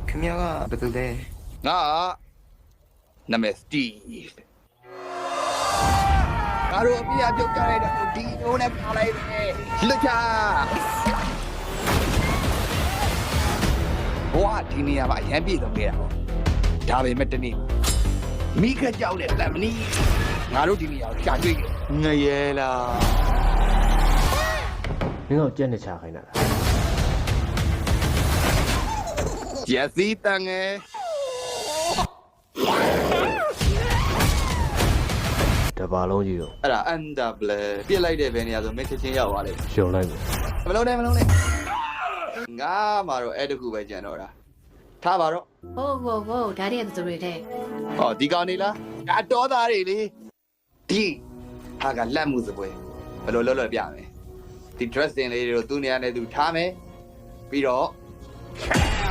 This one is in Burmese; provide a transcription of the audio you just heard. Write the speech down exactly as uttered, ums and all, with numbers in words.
ခင်ဗျားကဘယ်သူလဲငါနာမည်စတီးငါတို့အပြည့်အပြုတ်ကြလိုက်တော့ဒီနိုးနဲ့ပါလိုက်တယ်လွတ်ချဘဝဒီနေရာမှာအရန်ပြည့်စုံခဲ့တာပေါ့ဒါပေမဲ့တနေ့မိခကြောက်တဲ့တမနီးငါတို့ဒီနေရာကိုရှာတွေ့တယ်ငရဲလားမင်းတို့ကြက်နေချခိုင်းတာလားဂျက်စီတန်ငယ်တပါလုံးကြီးတော့အဲ့ဒါအန်ဒါဘလပြစ်လိုက်တဲ့ဘယ်နေရာဆိုမင်းချက်ချင်းရောက်သွားလိမ့်မယ်ရှုံလိုက်မယ်မလုံးနဲ့မလုံးနဲ့ငါမှတော့အဲ့တခုပဲကြံတော့တာထားပါတော့ဟုတ်ဟုတ်ဟုတ်ဒါတွေကသူတွေတဲ့ဟောဒီကောင်နေလားဒါတော်သားတွေလေဒီဟာကလက်မှုစပွဲဘယ်လိုလုပ်လို့ပြမယ်ဒီ dressing လေးတွေကိုသူ့နေရာနဲ့သူထားမယ်ပြီးတော့